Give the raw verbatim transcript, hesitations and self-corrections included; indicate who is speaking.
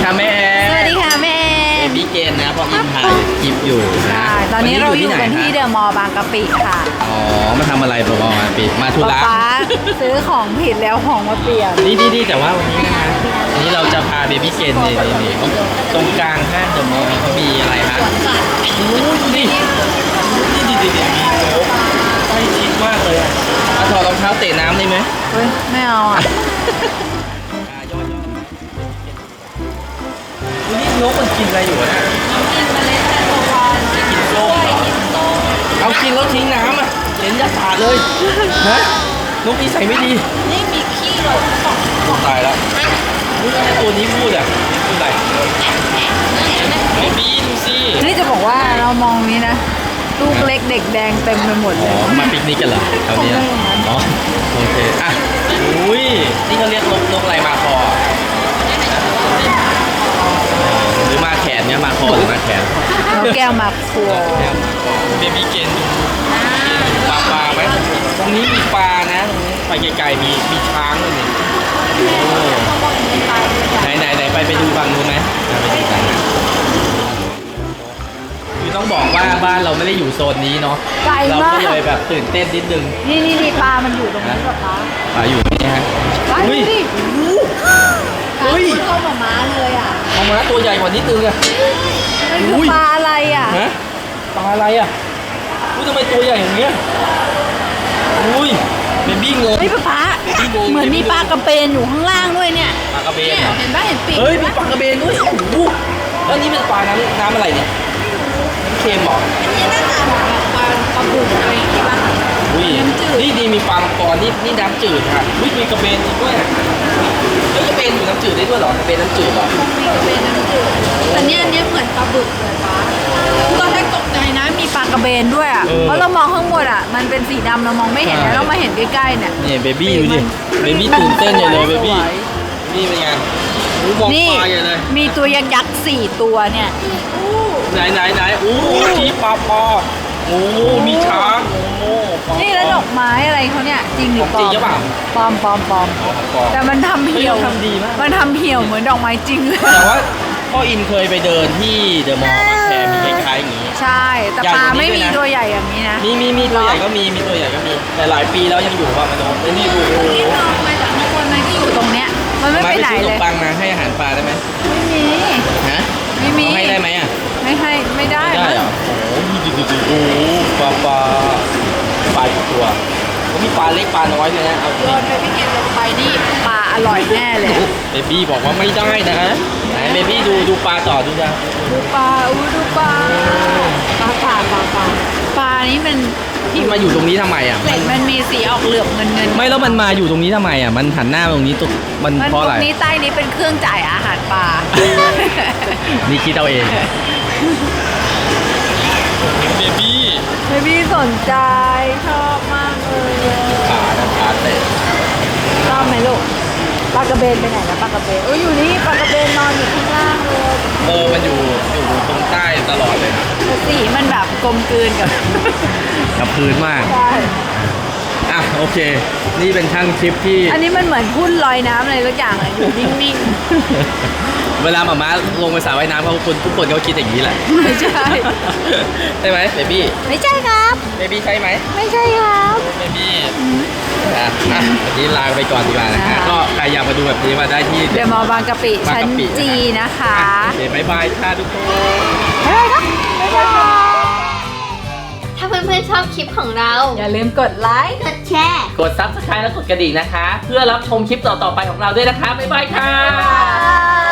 Speaker 1: ค่ะแม่
Speaker 2: สวัสดีค่ะแม่
Speaker 1: เบบี้เกนนะพออินถ่ายคลิปอยู่นะ
Speaker 2: ใช่ตอนนี้เราอยู่กันที่เดอะมอลล์บางกะปิค่ะ
Speaker 1: อ๋อมาทำอะไรประมาณปีมาธุระ
Speaker 2: ป๊าซื้อของผิดแล้วของมาเปลี่ยน
Speaker 1: นี่ดีดีแต่ว่าวันนี้นะวันนี้เราจะพาเบบี้เกนนี่นี่ตรงกลางห้างเดอะมอลล์เขามีอะไรฮะโอ้ดูดินี่ดีดีดีมีโอ้ใกล้ชิดมากเลยอ่ะเอาถอดรองเท้าเตะน้ำได้ไหม
Speaker 2: เฮ้ยไม่เอาอ่ะ
Speaker 1: นี่นกมันกินอะไรอยู่นะ
Speaker 2: กินเมล็ดแตงโมก่อน
Speaker 1: กินส้มเอากินแล้วทิ้งน้ำอ่ะเห็นยาสาดเลยฮะนกนิสัยไม่ดี
Speaker 2: นี่มีขี้หลง
Speaker 1: ตายแล้วนี่ตัวนี้พูดอ่ะพูดอะไรไม่บีดูสิ
Speaker 2: นี่จะบอกว่าเรามองนี้นะลูกเล็กเด็กแดงเต็มไปหมดเล
Speaker 1: อ๋อยมาปิกนิกกันเหรอแถวนี้อ๋อโอเคอ่ะอุ้ยนี่เขาเรียกนกนกอะไรมาคอหรือมาแขนเนี่ยมาคอหรือมาแขน
Speaker 2: นกแก้วมาครัว
Speaker 1: เบบี้เกนปลาปลาไหมตรงนี้มีปลานะตรงนี้ไปไกลๆมีมีช้างด้วยนี่ไหนไหนไหนไปไปดูฝั่งนู้นไหมไปดูกันนะคือต้องบอกว่าบ้านเราไม่ได้อยู่โซนนี้เนาะ
Speaker 2: ไกล
Speaker 1: เรา
Speaker 2: มาก
Speaker 1: ก็เลยแบบตื่นเต้นนิดนึง
Speaker 2: นี่นี่นี่ปลามันอยู่ตรงนี้กับปลา
Speaker 1: ปลาอยู่นี่ฮะ
Speaker 2: ปลาดูดิ
Speaker 1: เฮ้ย
Speaker 2: เข้ามาม้าเลยอ่ะ
Speaker 1: เอามาตัวใหญ่กว่านิดนึงอะ
Speaker 2: มันคือปลาอะไรอ่ะ
Speaker 1: ฮะปลาอะไรอะอุ้ยทำไมตัวใหญ่อย่างเงี้ยอุ้ยเบบี้งง
Speaker 2: เฮ้ยป๊าป๊าเหมือนมีปลากระเบนอยู่ข้างล่างด้วยเนี่ย
Speaker 1: ปลากระเบน
Speaker 2: เนี่ย
Speaker 1: เหรอ
Speaker 2: เห็นป่ะเห็นปีก
Speaker 1: เฮ้ยมี
Speaker 2: ปะ
Speaker 1: ปลากระเบนด้วยโอ้โหแล้วนี่เป็นปลาน้ำน้ำอะไรเนี่ยน้ำเค็มเหรอ
Speaker 2: อันนี้หน้าตาแบบปลาปลาบุกอะไรอย่างงี้ป่ะ
Speaker 1: อุ้ย
Speaker 2: น้ำจืด
Speaker 1: นี่ดีมีปลามังกรนี่นี่น้ำจืดค่ะอุ้ยมีกระเบนจริงด้วยอะเฮ้ยกระเบนอยู่น้ำจืดได้ด้วยเหรอกระเบนน้ำจืดเหรอ
Speaker 2: มีกระเบนน้ำจืดแต่เนี่ยอันเนี้ยเหมือนปลาบึกเลยป้าตอนแรกตกใจนะมีปลากระเบนด้วยอ่ะเพราะเรามองข้างบนอ่ะมันเป็นสีดำเรามองไม่เห็นแล้วเรามาเห็นใกล้ๆเนี่ย
Speaker 1: นี่เบบี้ดูดิเบบี้ตื่นเต้นใหญ่เลยเบบี้นี่เป็นไงอู้มอง
Speaker 2: นี่
Speaker 1: ปลาใหญ่เลย
Speaker 2: มีตัวยักษ์ยักษ์สี่ตัวเนี่ย
Speaker 1: ไหนไหนไหนโอ้ชี้ปลาปอโอ้มีช้างโอ้ปลา
Speaker 2: นี่แล้วดอกไม้อะไรเขาเนี่ยจริงหรือปลอ
Speaker 1: จริ
Speaker 2: ม
Speaker 1: งหรือเปล่า
Speaker 2: ปลอมปลอมปลอม
Speaker 1: ปลา
Speaker 2: แต่มันทำเหี่ยว
Speaker 1: เฮ้ยมันทำดีมาก
Speaker 2: มันทำเหี่ยวเหมือนดอกไม้จริงเลย
Speaker 1: แต่ว่าพ่ออินเคยไปเดินที่เดอะมอลล์บางแคมีคล้ายๆอย่างนี้
Speaker 2: ใช่ แต่
Speaker 1: ใหญ่
Speaker 2: ปลาก
Speaker 1: ว่านี้
Speaker 2: ไม่มี
Speaker 1: ด้วยนะ
Speaker 2: ตัวใหญ่อย่างนี้นะ
Speaker 1: มีมีมีตัวใหญ่ก็มีมีตัวใหญ่ก็มีแต่หลายปีแล้วยังอยู่ป่ะมันโอ้ยนี่ดูโอ้โห
Speaker 2: นี่มองมาจากข้างบนมันก็อยู่ตรงเนี้ย มันไม่
Speaker 1: มา
Speaker 2: ไป
Speaker 1: ไป
Speaker 2: ไหน
Speaker 1: ซื้อขน
Speaker 2: เล
Speaker 1: ม
Speaker 2: ย
Speaker 1: ปังมาให้อาหารปลาได้ไหม
Speaker 2: ไม่มี
Speaker 1: ฮะ
Speaker 2: ไม่มี
Speaker 1: เอาให้ได้ไหมอ่ะ
Speaker 2: ไม่ให้ไม่ได้
Speaker 1: ไม่ได้เหรอโอ้โหดูดูดูโอ้โหปลาปลาปลากี่ตัวก็มีปลาเล็กปลาน้อยเลยนะเอาจ
Speaker 2: โย
Speaker 1: ริง
Speaker 2: นไปพี่เกดลงไปนี่ปลาอร่อยแน่เลย
Speaker 1: เบบี้บอกว่าไม่ได้นะไหนเบบี้ดูดูปลาต่อดูจ้ะ
Speaker 2: ดูปลาอู้ดูปลาปลาปลาปลาปลาปลานี่มัน
Speaker 1: ที่มาอยู่ตรงนี้ทำไมอ่ะ
Speaker 2: เกล็ดมันมีสีออกเหลือบเงินเงิน
Speaker 1: ไม่แล้วมันมาอยู่ตรงนี้ทำไมอ่ะมันหันหน้ามาตรงนี้ตุกมัน
Speaker 2: มัน
Speaker 1: เพราะ
Speaker 2: ต
Speaker 1: อะไร
Speaker 2: รงนี้ใต้นี้เป็นเครื่องจ่ายอาหารปลา
Speaker 1: นี่คิดเอาเองเบบี้
Speaker 2: เบบี้สนใจชอบมากเลย
Speaker 1: ขานะขาเตะ
Speaker 2: ชอบไหมลูกปลากระเบนไปไหนแล้วปลากระเบนเอ้ยอยู่นี่ปลากระเบนนอนอยู่ข้างล่างเลย
Speaker 1: เออมันอยู่อยู่ตรงใต้ตลอดเลยนะ
Speaker 2: แต่สีมันแบบกลมกลืนกับ
Speaker 1: กับพื้นมาก
Speaker 2: ใช่
Speaker 1: อ่ะโอเค นี่เป็นช่างคลิปที่
Speaker 2: อันนี้มันเหมือนหุ้นลอยน้ำอะไรสักอย่างอะอยู่นิ่ง
Speaker 1: เวลาหมาม้าลงไปสระว่ายน้ำเขาคนทุกคนเขาคิดอย่างนี้แหละ
Speaker 2: ๆไม่ใช่
Speaker 1: ใช่ไหมเบบี้
Speaker 2: ไม่ใช่ครับ
Speaker 1: เบบี้ใช่ไหม
Speaker 2: ไม่ใช่ครับ
Speaker 1: เบบี้อ่ะอ่ะวันนี้ลาไปก่อนดีกว่านะ
Speaker 2: ค่ะ
Speaker 1: ฮะก็ใครอยากมาดูแบบนี้มาได้ที่
Speaker 2: เดอะมอลล์บางกะปิ
Speaker 1: บาง
Speaker 2: ชั้น
Speaker 1: กะปิ
Speaker 2: จีนะคะ
Speaker 1: โอเคบายบายค่ะทุกคน
Speaker 2: บ๊ายบายครับบ๊ายบาย
Speaker 3: ถ้าเพื่อนๆชอบคลิปของเรา
Speaker 2: อย่าลืมกดไลค์
Speaker 3: กดแชร์
Speaker 1: กดซับสไครต์และกดกระดิ่งนะคะ เพื่อรับชมคลิปต่อๆไปของเราด้วยนะคะบ๊ายบายค่ะ
Speaker 2: บ๊ายบาย